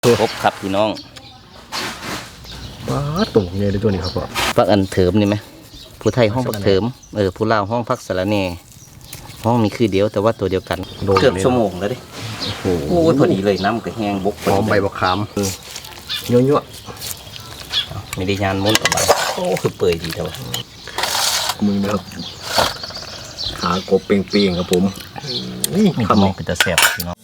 ครบครับพี่น้องว้าตุ่มไงในตัวนี้ครับพ่อพักอันเถิมนี่ไหมผู้ไทยห้องพักเถิมผู้ลาวห้องพักสะระแหน่ห้องมีคือเดียวแต่ว่าตัวเดียวกันเกือบชั่วโมงแล้วดิโอ้โหพอดีเลยน้ำก็แห้งบกหอมใบบักขามยั่วไม่ได้ยานม้วนออกมาโอ้คือเปื่อยดีแต่ว่ามือนะครับขากบเปรี้ยงๆครับผมนี่ทำเป็นตะแสบพี่น้อง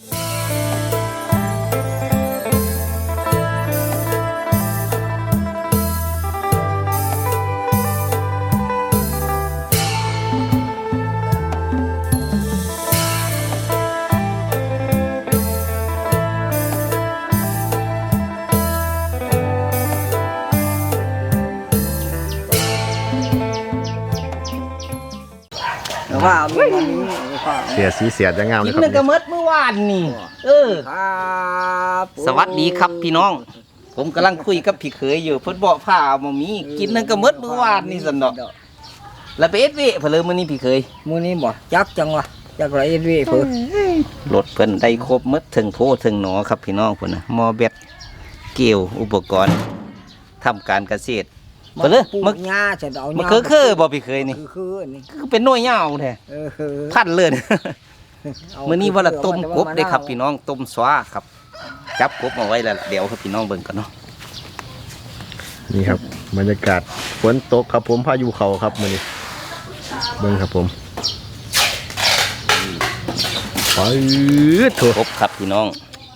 ว่าเสียสีเสียจะงามเลยครับกินนึงกระเมิดเมื่อวานนี่สวัสดีครับพี่น้องผมกำลังคุยกับพี่เขยอยู่เพิ่นบอกผ้ามามีกินนึงกระเมิดเมื่อวานนี่สันดอกแล้วไปเอสวีเพลินมื้อนี้พี่เขยมื้อนี้บ่จักจังวะจักไรเอสวีเพิ่นรถเพิ่นได้ครบหมดถึงโพถึงหนอครับพี่น้องเพิ่นน่ะหม้อแบตเกลียวอุปกรณ์ทำการเกษตรเพิ่นมึกหญ้าจะเอาหญ้ามันคือบ่พี่เคยนี่คือนี่คือเป็นหน่วยยาวแท้พันเลยมื้อนี้ว่าละต้มกบได้ครับพี่น้องต้มสวาครับจับกบเอาไว้แล้วเดี๋ยวครับพี่น้องเบิ่งกันเนาะนี่ครับบรรยากาศฝนตกครับผมพายุเขาครับมื้อนี้เบิ่งครับผมไปถูกกบครับพี่น้อง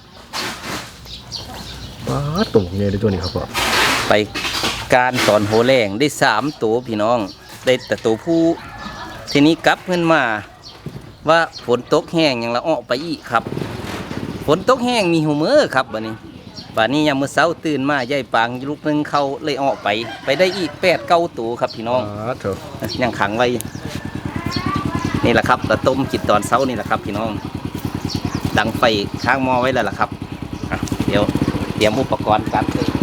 ว้าตุ่มไงในตัวนี้ครับพ่อไปการสอนโหแรงได้3ตัวพี่น้องได้แต่ตัวผู้ทีนี้กลับขึ้นมาว่าฝนตกแห้งอย่างละออกไปอีกครับฝนตกแห้งมีหูมือครับวันนี้ยังมื้อเช้าตื่นมายายปางลูกนึงเขาเลยออกไปได้อีก8-9ตัวครับพี่น้องยังขังไว้นี่แหละครับเราต้มกินตอนเช้านี่แหละครับพี่น้องดังไฟข้างหม้อไว้แล้วล่ะครับเดี๋ยวเตรียมอุปกรณ์กันเลย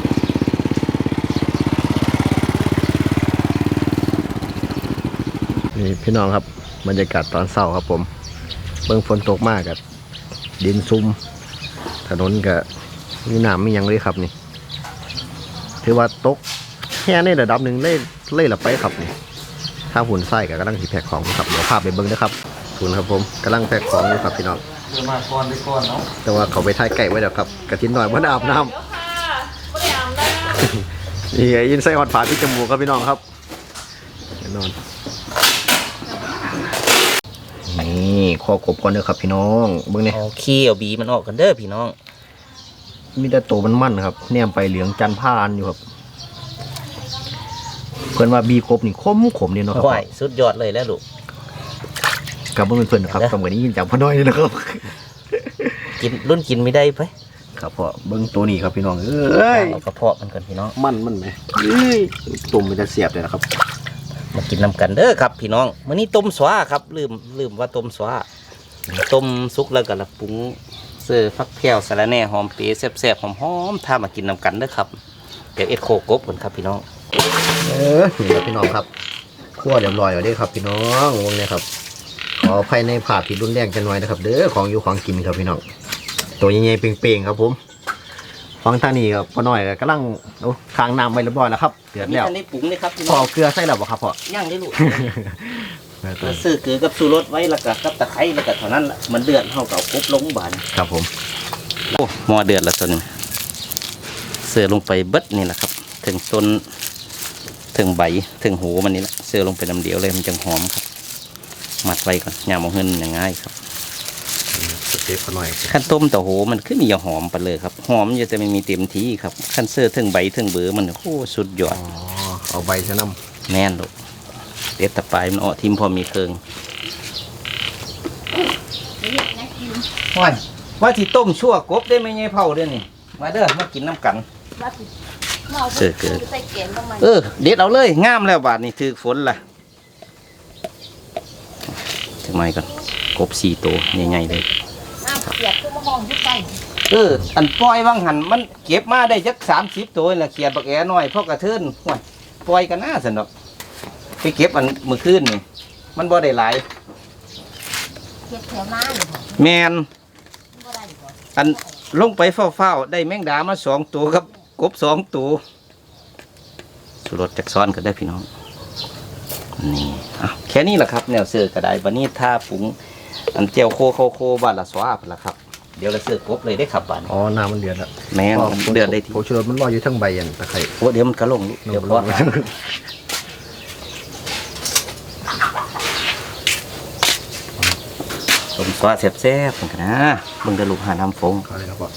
นี่พี่น้องครับบรรยากาศตอนเช้าครับผมเบิ่งฝนตกมากกับดินซุ่มถนนกับมีน้ำมียังเลยครับนี่ถือว่าตกแค่ในระดับหนึ่งเล่ละไปครับนี่ถ้าหุ่นไส้กับกำลังถีแพ็คของครับเดี๋ยวภาพไปเบิ่งนะครับหุ่นครับผมกำลังแพ็คของอยู่ครับพี่น้องมาก่อนเนาะแต่ว่าเขาไปถ่ายไก่ไว้แล้วครับกระทินหน่อยว่าอาบน้ำนี่ยินไส้หอดฝาที่จมูกครับพี่น้องครับแน่นอนนี่ข้อกบก่อนเด้อครับพี่น้องเบิ่งนี่เอาขี้เอาบีมันออกกันเด้อพี่น้องมีแต่โตมันมั่นครับแนมไปเหลืองจันทร์ผ่านอยู่ครับเพื่อนว่าบีครบนี่ขมนี่เนาะครับสุดยอดเลยแล้วลูกกับเพื่อนนะครับสมัยนี้ยินจากพ่อน้อยนี่นะครับกินไม่ได้ไปครับพ่อเบิ้งตัวนี้ครับพี่น้องเอากระเพาะมันก่อนพี่น้องมันไหมตุ่มมันจะเสียบเลยนะครับมากินน้ำกันเด้อครับพี่น้องมื้อนี้ต้มสวาครับลืมว่าต้มสวาต้มสุกแล้วก็ละปรุงเสื้อฟักแผ่วสะระแหน่หอมเปรี้ยวแซ่บๆหอมๆถ้ามากินน้ำกันเด้อครับเดี๋ยวเอ็ดโคกบก่อนครับพี่น้องนี่ครับพี่น้องครับคั่วเรียบร้อยแล้วเด้ครับพี่น้องวงนี้ครับขอภายในผ่าผิดรุนแรงกันหน่อยนะครับเด้อของอยู่ของกินครับพี่น้องตัวใหญ่ๆเป่งๆครับผมฟังทางนี้ครับพ่อน้อยกำลังค้างน้ำไว้เรียบร้อยแล้วครับเดือดแล้วนี่ปรุงเลยครับพอเกลือใส่แล้วบ่ครับพ่อย่างได้ลูกซื้อเกลือกับชูรสไว้แล้วก็กับตะไคร้แล้วก็เท่านั้นแหละมันเดือดเท่ากับกบลงบานครับผมโอ้หม้อเดือดแล้วตัวนี้เสือลงไปเบิดนี่แหละครับถึงต้นถึงใบถึงหูมันนี่แหละเสือลงไปน้ำเดียวเลยมันจังหอมครับมัดไว้ก่อนอย่ามองเงินอย่างง่ายครับขั้นต้มแต่โหมันขึ้นมีหอมไปเลยครับหอมจะแต่ไม่มีเต็มที่ครับขั้นเสื้อถึงใบถึงเบือมันโอ้สุดยอดเอาใบชะน้ำแน่นลูกเด็ดตะปลายมันออกทิมพอมีเคืองว่าที่ต้มชั่วกบได้ไหมไงเผาด้วยนี่มาเด้อมากินน้ำกันเสือเกิดเด็ดเอาเลยงามแล้วบาทนี่ถือฝนล่ะทำไมก่อนกบ4 ตัวใหญ่ๆเลยอันปล่อยว่างหันมันเก็บมาได้จัก30 ตัวแหละเขียดบักแอน้อยเพราะกระเทินปล่อยกันหน้าสนุกไปเก็บอันมือคืนนี่มันบ่ได้หลายแมนอันลงไปเฝ้าๆได้แมงดามา2 ตัวครับกบ2 ตัวสุรสจักซ้อนก็ได้พี่น้องนี่แค่นี้แหละครับแนวเสือกระไดวันนี้ถ้าปรุงอันเจียวโคบ้านละสวาพนละครับเดี๋ยวเราเสือกบเลยได้ครับบ้านอ๋อน้ำมันเดือดแล้วแม่นเดือดได้ทีโผงชูรสมันลอยอยู่ทั้งใบยันตะไคร้โอ้เดี๋ยวมันก็ลงเดี๋ยวรอสมสวาแซ่บๆเหมือนกันนะมึงจะลูกหาน้ำฟงก็เลยครับพ่อ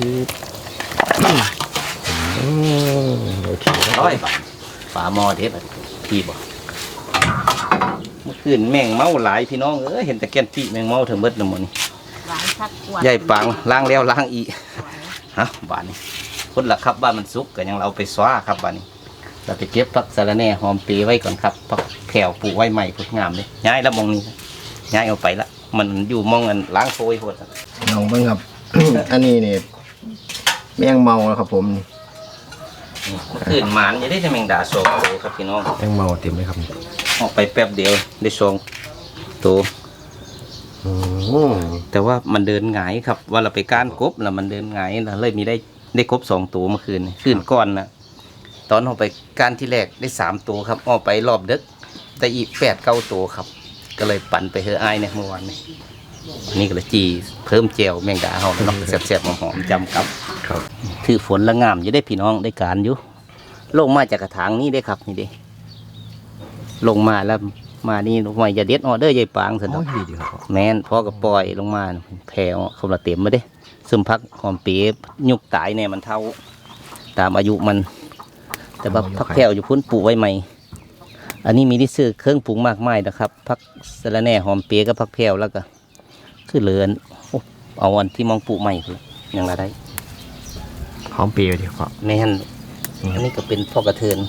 โอเคร้อยบาทฝาหม้อเด็ดพี่บอกเมื่อคืนแมงเมาหลายพี่น้องเห็นแต่แกนปีแมงเมาถึงเบิดน้ำมันนี่หลายสักกว่าใหญ่ปังล้างแล้วล้างอีกฮะบ้านนี้คนละครับบ้านมันสุกก็ยังเราไปสว้าครับบ้านนี้เราไปเก็บผักสะระแหน่หอมปีไว้ก่อนครับผักแผ่วปลูกไว้ใหม่พุกงามเลยย้ายแล้วมองนี้ย้ายเอาไปละมันอยู่มองกันล้างโฟยโหดน้องเบิ้งครับ อันนี้นี่แมงเมาแล้วครับผมคืนหมานจะได้จะแมงดาโซโตครับพี่น้องแมงเมาเต็มเลยครับออกไปแป๊บเดียวได้ซองโตอืมแต่ว่ามันเดินหงายครับว่าเราไปก้านกบแล้วมันเดินหงายแล้วเลยมีได้กบ2 ตัวเมื่อคืนคืนก้อนนะตอนออกไปก้านที่แรกได้3 ตัวครับออกไปรอบดึกได้อีก8-9 ตัวครับ ก็เลยปั่นไปเฮอไอายเนี่ยเมื่อวานนี้อันนี้ก็เลยจีเพิ่มเจลแมงดาเฮาเนาะแซ่บๆหอมๆจำกับครับถือฝนละงามจะได้พี่น้องได้การอยู่ลงมาจากกระถางนี้ได้ครับนี่เด้ลงมาแล้วมานี่ลงมาอย่าเด็ดออเดอร์ใหญ่ปางสิโอ้เนาะยดีครับพ่อแม่นพ่อก็ปล่อยลงมาแผ่เขาละเต็มมาเด้ซึมพักหอมปียุกตายเนี่ยมันเท่าตามอายุมัน แต่ว่าพักแผ่วอยู่พุ่นปลูกไว้ใหม่อันนี้มีที่ซื้อเครื่องปรุงมากมายนะครับพักสะระแหน่หอมเปียกับพักแผ่วแล้วก็คือเหลือนโอ้เอาวันที่มองปลูกใหม่คือยังละได้หอมเปรี้ยวดีพ่อแม่นอันนี้ก็เป็นพ่อกระเทิน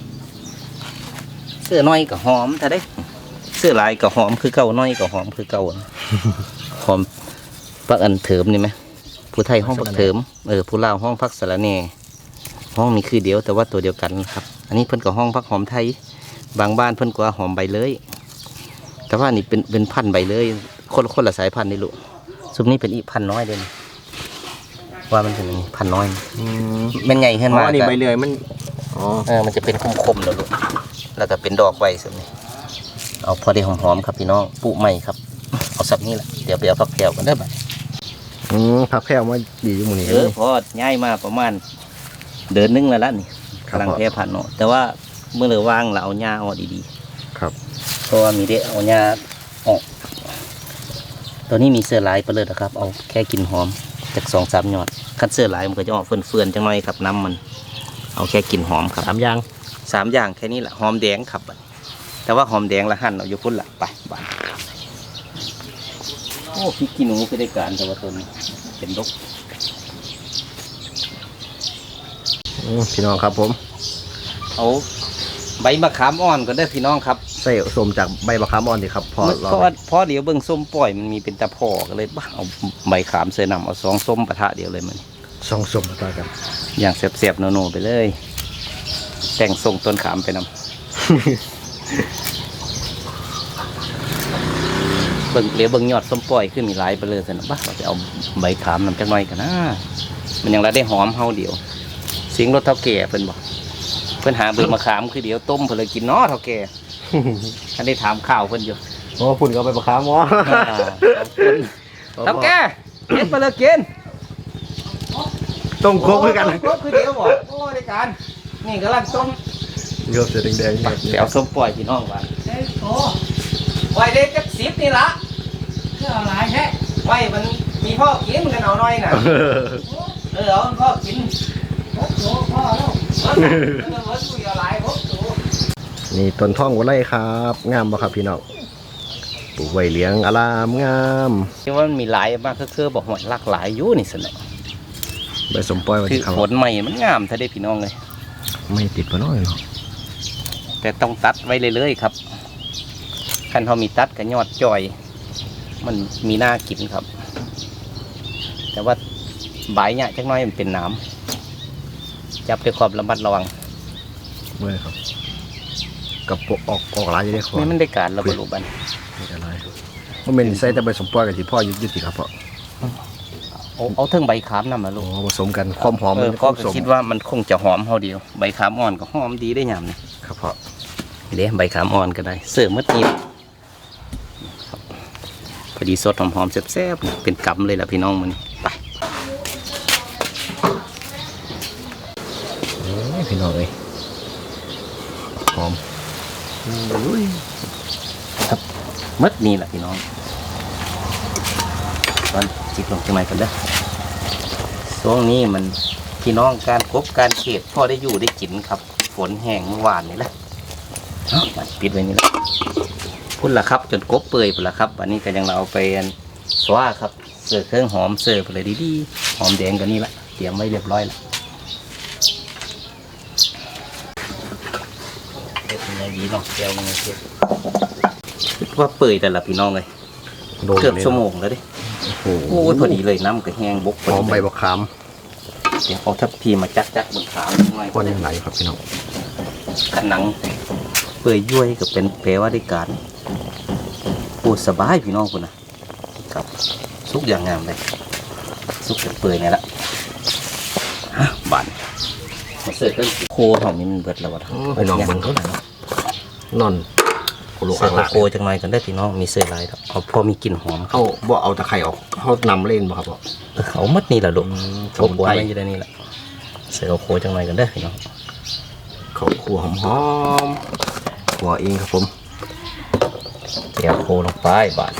เสื้อน้อยก็หอมถ้าได้ เสื้อลายก็หอมคือเก่าน้อยก็หอมคือเก่าหอมพักอันเถิมนี่ไหมผู้ไทยห้องพักเถิมผู้ลาวห้องพักสะระแหน่ห้องมีคือเดียวแต่ว่าตัวเดียวกันครับ อันนี้เพิ่นก็ห้องพักหอมไทย บางบ้านเพิ่นก็หอมใบเลยแต่ว่านี่เป็นพันธุ์ใบเลยคนละสายพันธุ์นี่ลูกซุมนี้เป็นอีพันธุ์น้อยเด่นว่ามันเป็นพันธุ์น้อยมันใหญ่ขึ้นอ๋อมาอันนี้ก็ใบเลื่อยมันอ๋อมันจะเป็นคมๆแล้วลูกแล้วก็เป็นดอกใบซุมนี้เอาพอได้หอมๆครับพี่น้องปลูกใหม่ครับเอาสับนี้แหละเดี๋ยวไปเอาผักแพรวกันได้อบัดผักแพรวมาดีอยู่หมู่นี้พอย้ายมาประมาณเดือนนึงแล้วล่ะนี่ครับกำลังแพร่พันธุ์เนาะแต่ว่าเมื่อเราว่างเราเอาหญ้าออกดีๆครับเพราะว่ามีได้เอาหญ้าออกตัวนี้มีเสื้อลายไปเลยนะครับ เอาแค่กินหอมจาก2-3 ยอดคันเสื้อลายมันก็จะออกเฟื่อนๆจังหน่อยครับน้ำมัน เอาแค่กินหอมครับ 3 อย่าง 3 อย่างแค่นี้แหละหอมแดงครับ แต่ว่าหอมแดงละหั่นเอาอยู่พุ่นละไปบ้านโอ้พริกขี้หนูคือได้การแต่ว่าตัวนี้เป็นดกพี่น้องครับผมเอาใบมะขามอ่อนก็ได้พี่น้องครับใส่สมจากใบมะขามอ่อนดีครับพอเพราะเดี๋ยวเบิ่งส้มปล่อยมันมีเป็นตะพอก็เลยบ้าเอาใบขามเสนำเอา2 ส้มปะทะเดียวเลยมันสองสมต่อกันอย่างเสียบๆโนๆไปเลย แต่งทรงต้นขามไปนำ เบิ่งเหลียวเบิ่งยอดส้มปล่อยขึ้นมีหลายไปเลยสนะบ้าเราจะเอาใบขามนำจักหน่อยกันนะมันยังละได้หอมเฮาเดียวเสียงรถเท่าแก่เพิ่นบอกเพิ่นหาเบิ่งมะขามคือเดี๋ยวต้มเพิ่นเลยกินเนาะเท่าแก่ ท่านได้ถามข่าวเพิ่นอยู่โอ้ฝุ่นก็ใบมะขามอ๋อเท่าแก่เฮ็ดไปเลยกินต้มโคกด้วยกันครบคือเดียวบอกโอ้ได้การนี่กำลังต้มเยอะเสียแดงๆเดี๋ยวส้มปล่อยพี่น้องว่าไว้ได้จัก10นี่ละเพื่ออะไรแท้ไว้มันมีพ่อกินกันเอาหน่อยน่ะเอาพ่อกินพ่อแล้วเอาหลายตัวนี่ต้นท่องวัวไร่ครับ งามบ่ครับพี่น้องปลูกไว้เลี้ยงอารามงามที่ว่ามันมีหลายมากคือบอกว่าหลากหลายอยู่นี่สินะใบสมปล่อยไว้คือที่ข้างผลใหม่มันงามถ้าได้พี่น้องเลยไม่ติดปะน้อยเนาะแต่ต้องตัดไว้เรื่อยๆครับคันเขามีตัดกับยอดจ่อย มันมีหน้ากินครับ แต่ว่าใบเนี่ยจักหน้อยมันเป็นน้ำจับด้วยความระมัดระวังเมื่อครับกับปกออกหลายจะได้ขอนี่มันได้การระเบิดลูกบันไม่ได้ไรมันเป็นใส่แต่ใบสมปล่อยกับที่พ่อยึดติครับพ่อเอาเทิงใบขามนำมาลูโอ้กผสมกันความหอมมันก็ผสมคิดว่ามันคงจะหอมเฮาเดียวใบขามอ่อนก็หอมดีได้ยามนี่ครับพ่อเด้ใบขามอ่อนก็ได้เสิร์ฟมื้อนี้ครับพอดีสดหอมๆแซ่บๆเป็นกำเลยล่ะพี่น้องมื้อนี้ไปพี่น้องเอ้ยหอมครับมื้อนี้ล่ะพี่น้องตอนจิบลงจังไดกันเด้อช่วงนี้มันพี่น้องการกบการเขตพอได้อยู่ได้กินครับฝนแห้งเมื่อวานนี่แหละมันปิดไว้นี่แหละพุ่นละครับจนกบเปื่อยพุ่นละครับวันนี้ก็ยังเราเอาไปสว่าครับเสิร์ฟเครื่องหอมเสิร์ฟอะไรดีๆหอมแดงกันนี่ละเตรียมไว้เรียบร้อยแล้วเด็ดยังไงดีเนาะแก้วนึงเด็ดว่าเปื่อยแต่ละพี่น้องเลยโดนเกือบเลยชั่วโมงแล้วดิโอ้โหโอ้ยพอดีเลยน้ำก็แห้งบกพหออดีมใบบักขามเดี๋ยวเอาทัพพีมาจักบนขาวหน่อยก้อนยังไหลครับพี่น้องขันหนังเปื่อยยุ่ยก็เป็นแปลว่าได้การปูสบายพี่น้องคุณนะครับสุกอย่างงามเลยสุกเปื่อยเนี่ยละฮะบานมาเสิร์ฟเครื่องโคหอมนี่มันเบิดแล้ววะพี่น้องย่าเบิ่งเท่าไหร่นอนโคโลเสิอาร์ฟลาโคจังไรกันได้อพี่น้องมีเสิร์ฟอะไรครับเอาพอมีกลิ่นหอมเขาบ่เอาตะไคร่ออกเขานำเล่นบ่ครับพ่อเขามัดนี่แหละลูกสเขามุนบัวไพรมันอยู่ในนี่แหละเสิร์ฟโคจังไรกันได้อพี่น้องเขาขัวหอมๆขัวเองครับผมแก้วโคลงไปบาด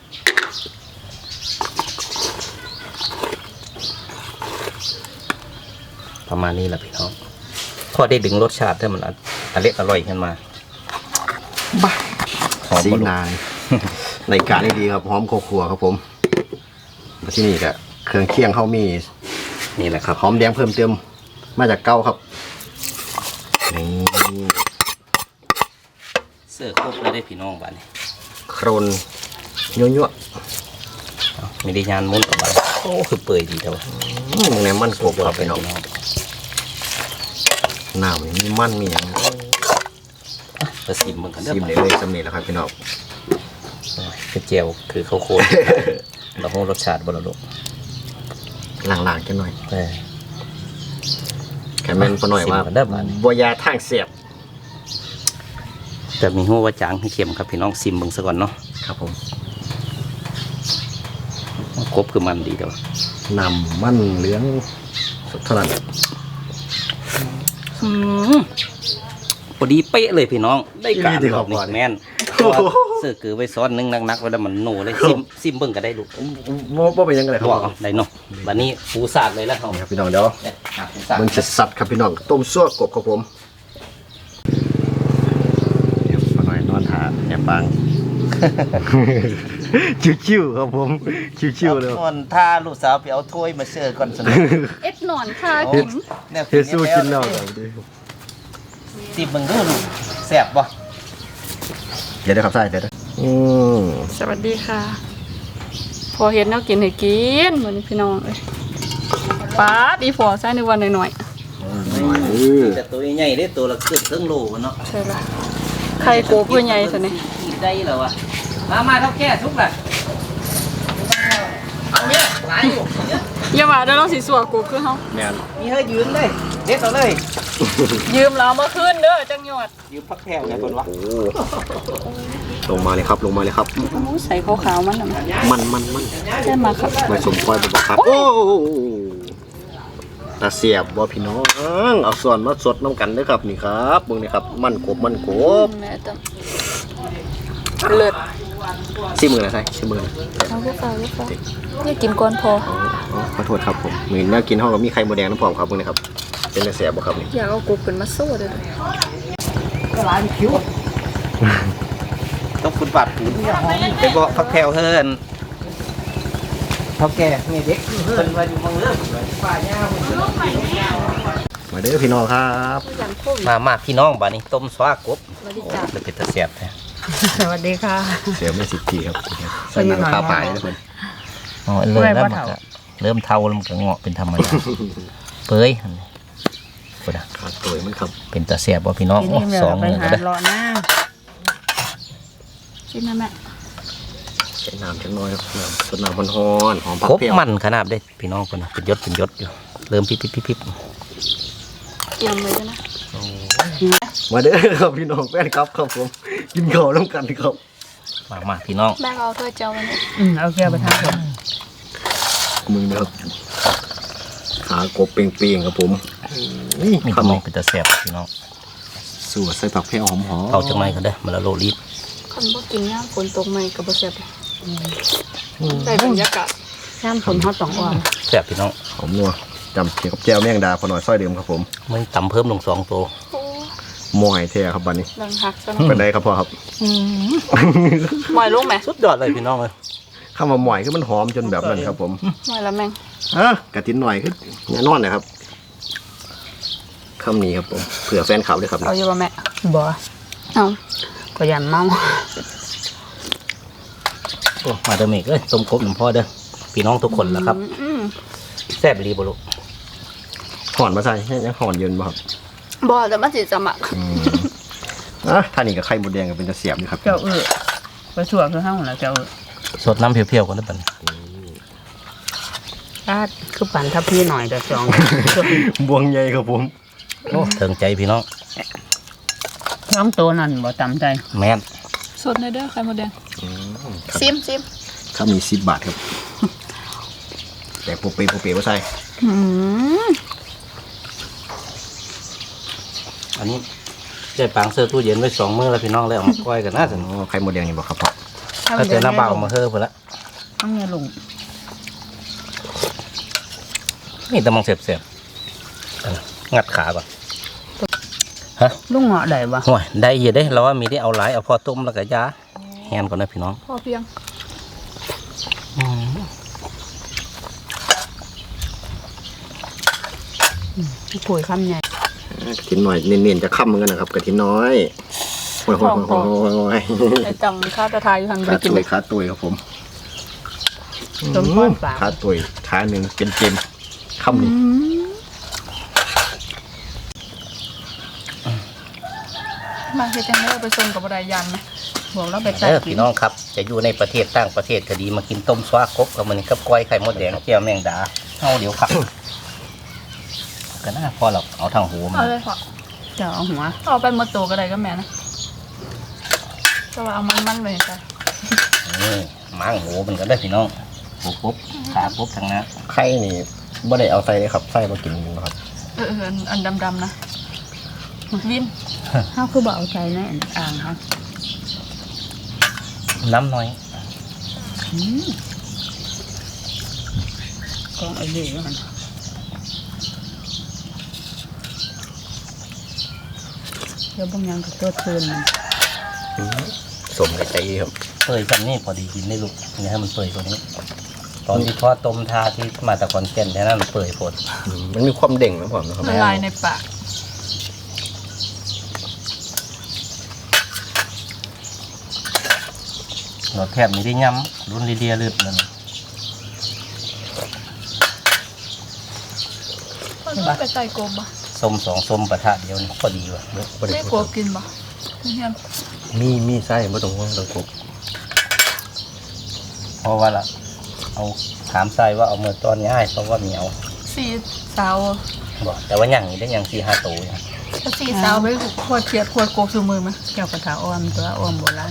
ประมาณนี้แหละพี่น้องพอได้ดึงรสชาติให้มันอร่อยขึ้นมาบ้าหอมสีบ่ลูกนาน ในการนี่ดีครับหอมขัวครับผมมาที่นี่ก็เครื่องเคียงเขามีนี่แหละครับหอมแดงเพิ่มเติมมาจากเก้าครับนี่เสิร์ฟครบเลยได้พี่น้องบ้านนี้โครนยั่วเอาไม่ได้ยานมุนกับบ้านโอ้คือเปื่อยดีแต่ว่าๆมึงเนี่ยมันกบครับพี่น้องน้ำนี่มีมันมีอย่างไปซิมมึงกันเด้อซิมเลยสำเนียงแล้วครับพี่น้องคือเจียวคือข้าวโคตร เราคงรสชาติบ่ละลูกล่างๆกันหน่อยเออแค่แม่นพอหน่อยว่าซิมกันเด้อบ้านนี้บัวยาทางเสียบแต่มีหัวว่าจางให้เค็มครับพี่น้องซิมเบิ่งซะก่อนเนาะครับผมครบคือมันดีเด้อน้ำมันเหลืองสุดเท่านั้นพอดีเป๊ะเลยพี่น้องได้การรอบนี้แม่นเสื้อคือไว้ซ้อนนึงนักๆไว้แล้วมันโนเลยซิมเบิ่งก็ได้ลูกว่าเป็นยังไงครับบอกเอาได้เนาะบัดนี้ปูสาดเลยแล้วเขานี่ครับพี่น้องเดี๋ยวเนี่ยปูสาดเบิ่งสัดๆครับพี่น้องต้มซั่วกบครับผมเดี๋ยวพอหน่อยนอนหาแอบปัง ชิวๆครับผมชิวๆเลยก่อนถ้าลูกสาวไปเอาถ้วยมาเสิร์ฟก่อนสนุกเอ็ดหนอนค่ะกินเฮ็ดสู้กินแล้วครับซิมเบิ่งดูลูกแซ่บบ่เดี๋ยวได้ครับใช่เดี๋ยวได้สวัสดีค่ะ พอเห็นแนวกินให้กินเหมือนพี่น้องเลยป้าดอีพอใส่ในวันหน่อยแต่ตัวใหญ่ได้ตัวละเกือบครึ่งโลวะเนาะๆใช่ละไข่โกเพื่อใหญ่สิเนี่ยกินได้แล้ววะมาเท่าแก่ทุกล่ะเอาเนี่ยหลายอยู่เนี่ยอย่าว่าเดี๋ยวเราสิสัวกูคือเฮาแม่นมีเฮ้ยยืนเลยเด็ดเอาเลยยืมเรามาคืนเด้อจังหยอดยืมพักแถวไงคนวะโอ้ลงมาเลยครับลงมาเลยครับโอ้ใส่ขาวๆมันน่ะมันใช่มาครับไม่สมควรบอกครับโอ้ตาเสียบว่าพี่น้องเอาส่วนมาสดน้ำกันเด้อครับนี่ครับเบิ่งนี่ครับมันกบแม่ตำเลิศซิมือนะใช่ซิมือนะเอาลูกฟ้านี่กินก่อนพออ๋อขอโทษครับผมมีเนื้อกินห้องกับมีไข่มดแดงน้ำผอมครับเบิ่งนี่ครับเป็นตาเสียบบ่ครับนี่อยากเอากูขึ้นมาสู้เด้อต้องคุณบาดหูไปบอกพักแถวเฮินเท่าแก่นี่เด็กเฮินมาอยู่เมืองเลิศป่าหญ้ามาเด้อพี่น้องครับอย่างโควิดมาพี่น้องบ้านนี้ต้มสวากบสวัสดีจ้าเลยเป็นตะเสียบแท้สวัสดีค่ะเสียบไม่สิบทีครับใส่หนังข้าวปลายนะเพิ่นอ๋อเลยแล้วมันก็เริ่มเทาแล้วมันก็เงาะเป็นธรรมดาเปื่อยพุ่นน่ะขาดตัวมันครับเป็นตะเสียบว่าพี่น้องทีโอ้นี้สองเราไปมือหาก็ได้เลาะหน้าชิมนะแม่ใส่น้ำจังน้อยครับน้ำต้นน้ำมันฮ้อนหอมผักครบเปรี้ยวมันขนาดเด้พี่น้องคนน่ะเป็นยศอยู่เริ่มพิบเตรียมเลยนะมาเด้อครับพี่น้องแฟนครับครับผมกินข้าวร่วมกันครับมาพี่น้องแม่เอาถ้วยเจ้าไว้เนี่ยเอาแก้วไปทางผมมึงนะครับขากบเปรียงๆครับผมนี่มีคำขนนี้มเป็นตะแสบพี่น้องสูตรใส่ผักเปรี้ยวหอมเอาจังไรก็ได้มาละโลลิตรคนบ่กินย่างฝนตกใหม่กับบ่แซ่บได้บรรยากาศน้ำฝนเขาต้องอ่อนแสบพี่น้องหอมนัวจำเขียวกับแจ่วแมงดาพอหน่อยซอยเดิมครับผมไม่ต่ำเพิ่มลง2ตัวโอ้มอยแท้ครับบันนี้ดังหักซะเป็นไรครับพ่อครับหมอยลงไหมสุดยอดเลยพี่น้องเลยข้าวมาหมอยคือมันหอมจนแบบนั้นครับผมหมอยละแมงกระตินหน่อยคือแน่นอนนะครับคำนี้ครับผมเผื่อแฟนคลับด้วยครับเอาอยู่บ่แม่บ่เอาก็ยันเมาโอ้มาเดอเมกเอ้ยต้มกบหลวงพ่อเด้อพี่น้องทุกคนแล้วครับอืมแซ่บรีบลุหอนมาใส่ให้ยังหอนเย็นบ่ครับบ่แต่มันสิจะหมักท่านี่กับไข่มดแดงก็เป็นจะเสียบอยู่ครับเจ้าไปชั่วคือห้องแล้วเจ้าสดน้ำเพียวๆกันได้ปะอาดคือปั่นทับพี่หน่อยเดี๋ยวจองบวงใหญ่ครับผมโอ้เถิงใจพี่น้องน้องตัวนั่นบ่จำใจแม่นสดในเด้อไข่มดแดงซิมถ้ามี10 บาทครับแต่โปเปว่าใส่อืมอันนี้ได้ปางเสื้อตู้เย็นไว้2 มื้อแล้วพี่น้องแล้วเอามาก้อยกันน่าสนไข่มดแดงนี่บ่ครับพ่อถ้าเจอน้ำเบามาเฮ้อพุ่นละต้องเนี่ยลุงนี่ตะมองเสียบๆงัดขาก่อนลุงเหงาะได้บ่ห่วยได้เยอะได้เราว่ามีได้เอาหลายเอาพอต้มแล้วก็ยาแฮนก่อนนะพี่น้องพอเพียงพี่คุยคำใหญ่กระถินหน่อยเนียนๆจะค่ำเหมือนกันนะครับกระถินน้อยโอ้ยไอ้จังข้าวตะไทยอยู่หันไปขากินตุยขาตุยครับผมต้มก้อนปลาขาตุยขาหนึ่งเป็นเกมค่ำนี้มาเฮ็ดจังได๋เอาไปส่งกับบ่ได้ยันนะบอกเราไปใส่เออกิพี่นน้องครับจะอยู่ในประเทศต่างประเทศก็ดีมากินต้มซวากบกับมันกับก้อยไข่มดแดงเจียวแมงดาเอาเดี๋ยวครับก็น่าพอเราเอาทางหูมันเอาเลยพ่อเจ้าเอาหัวเอาไปหมดตัวก็ได้ก็แม่นะแต่ว่าเอามันๆไว้จ้ะนี่ม้างหูมันก็ได้พี่น้องปุ๊บขาปุ๊บทางนั้นไข่นี่บ่ได้เอาใส่เลยครับใส่มากินนะครับอันดำๆนะวินเฮาคือบ่เอาใจในอ่างครับน้ำน้อยกองไอ้เด็กมันเดี๋ยวบางอย่างก็ตัวเทินมันสมกับใจครับเปื่อยกันนี่พอดีกินได้ลูกนี่ให้มันเปื่อยกว่านี้ ตอนที่ทอดต้มทาที่มาแต่ก่อนเก่นแค่นั้นมันเปื่อยผดมันมีความเด่งนะผมนะครับละลายในปากเราแทบไม่ได้ย้ำรุ่นเรียๆลืดเลยมันไปใส่กบบ่ส้ม2 ส้มประทะเดียวนี่พอดีว่ะได้กบกินบ่เฮียนมีไส้ไม่ต้องห่วงเรากบเพราะว่าละเอาถามใส่ว่าเอาเมื่อตอนง่ายเพราะว่ามีเอาสี่สาวบอกแต่ว่าอย่างนี้ได้อย่าง4-5 ตัวอยู่ถ้าสี่สาวไปขวดเขียดขวดกบสู่มือมั้ยเจ้ากระถาอ้อมตัวอ้อมโบราณ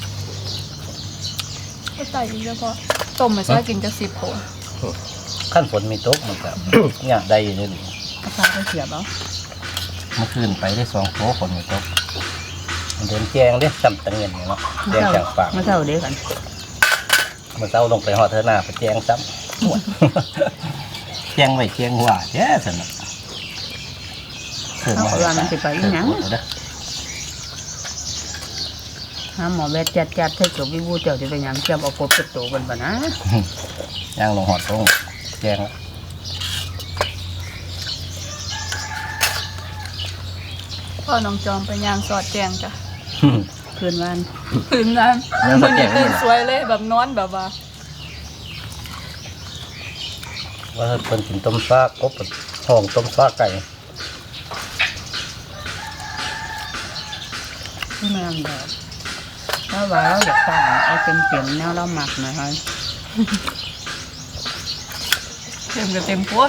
ก็ใส่อีกแล้วพอต้มไปใส่กินจะ10 โผล่ขั้นฝนมีตกมันก็ เนี่ยได้อยู่เลยกระถาไปเสียบเอาเมื่อคืนไปได้2 โต๊ะฝนมีตกมันเดินแจงเด้ซ้ำตะเงียนเนี่ยเนาะแจงจากปากมาเท่าเดียวกันเมื่อเช้าลงไปหอดเธอหน้าไปแจงซ้ำหมด แจงไว้แจงหัวแย่สนุกเอาว่ามันสิไปอีหยังเด้อหาหมอแวดจัดให้เกือบวิบูเจ้าจะไปหยังเจ้าเอากบจะโตกันบ่นะย่างลงหอดตรงแจงแล้วพ่อน้องจอมไปย่างสอดแจงจ้ะคืนวันตื่นนั้นมันนี่ตื่นสวยเลยแบบนอนแบบว่าว่าเพิ่นกินต้มฟ้ากบห้องต้มฟ้าไก่ที่แม่งแบบถ้าว่าเราอยากสั่งเอาเต็มๆแนวเราหมักหน่อยค่ะเต็มกับเต็มโพด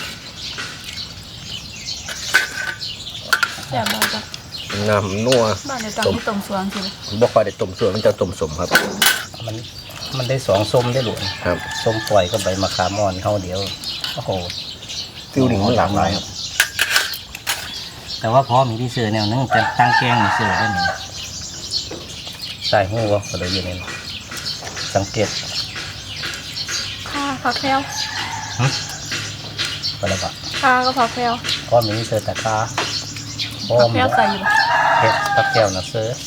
แซ่บบ่จ้ะน้ำนัวบ้านในตังที่ต้มสวงสิบ่ค่อยได้ต้มส่วนมันจะต้มสมครับมันได้สองส้มได้หลวงครับส้มปล่อยก็ใบมะขามอ่อนเข้าเดียวโอ้โหฟิวหนึ่งมันหลากหลายครับแต่ว่าพอมีที่เสือแนวนึงแต่ตั้งแกงมีเสือได้หนึ่งใส่หูวะก็เลยอยู่นี่สังเกตข้าผักแพรวก็แล้วก็ข้าก็ผักแพรวพอมีเสือแต่คาพอผักมแพรวใส่อยู่บ่เห็ดตะแก้วนะเสือ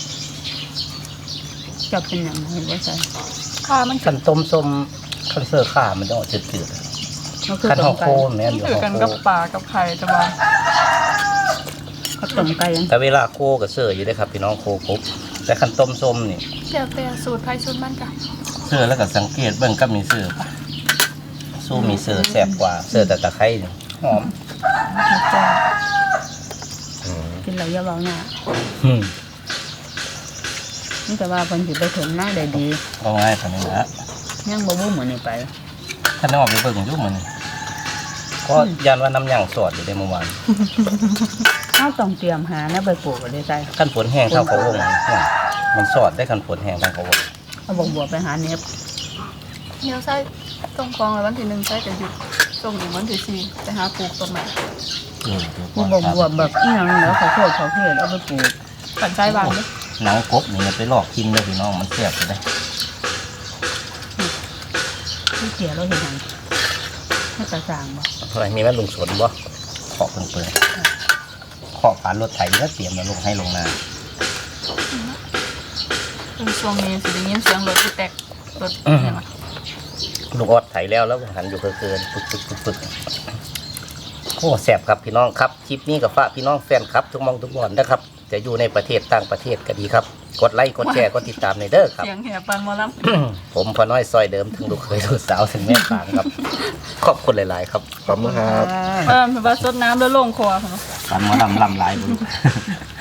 จะเป็นอย่างไรว่าใส่ข้ามันขันต้มส้มขันเสือข้ามันจะออกจืดเขาคือๆขันต้ห่อมโคไก่มเนี่ยอยู่ถือห่อกันโคกับปลากับไข่แต่ว่าเขาต้มไก่ยังแต่เวลาโคกับเสืออยู่ได้ครับพี่น้องโคปุ๊บแต่ขันต้มส้มนี่เดี๋ยวแต่สูตรไผ่สูตรมันจ้ะเสือแล้วก็สังเกตเบิ่งก็มีเสือปะสู้มีเสือแสบกว่าเสือแต่ตะไคร้นี่หอมกินแล้วอย่าเบาหน้าอืมนี่แต่ว่าเพิ่นสิไปถึงหน้าได้ดีก็ง่ายกว่านี้นะยังบ่บู้เหมือนนี่ไปท่านน้องไปเบิ่งอยุ่มันก็ยันว่าน้ำยางสอดอยู่ในเมื่อวานเราต้องเตรียมหานะไปปลูกได้ใจขั้นฝนแห้งเท่าเขาวงเนี่ยมันสอดได้ขั้นฝนแห้งเท่าเขาวงเอาบัวไปหาเน็บเดี๋ยวใส่ต้มฟองเลยวันที่1ใส่แต่หยุดส่งอีกวันที่4ไปหาปลูกต้นใหม่มีบัวแบบอีหยังแล้วเขาโคตรเขาเทศเอาไปปลูกปั่นใส่บานเด้อหนังกบนี่มันไปลอกกินเลยพี่น้องมันแสบเลยที่เสียเราเห็นหยังให้กระจ่างบ่อะไรมีแม่ลุงสนบ่ขอเพิ่งเปิดขอผ่านรถไถแล้วเตรียมมาลงให้ลงนาคือช่วงนี้สิได้ยินเสียงรถที่แตกรถเนี่ยว่ะลูกออดไถแล้วหันอยู่เกินปึกโอ้แสบครับพี่น้องครับคลิปนี้กับฝากพี่น้องแฟนครับทุกมองทุกบอนนะครับจะอยู่ในประเทศต่างประเทศก็ดีครับกดไลค์กดแชร์กดติดตามในเด้อครับเสียงแห่ปันหมอลผมพอน้อยซอยเดิมถึงลูกเคยลูกสาวถึงแม่ปางครับ ขอบคุณหลาย ๆ ครับขอบคุณครับำเพิ่นว่าสดน้ำแล้วลงคอพุ่นเนาะฟันมาลำลายบุญ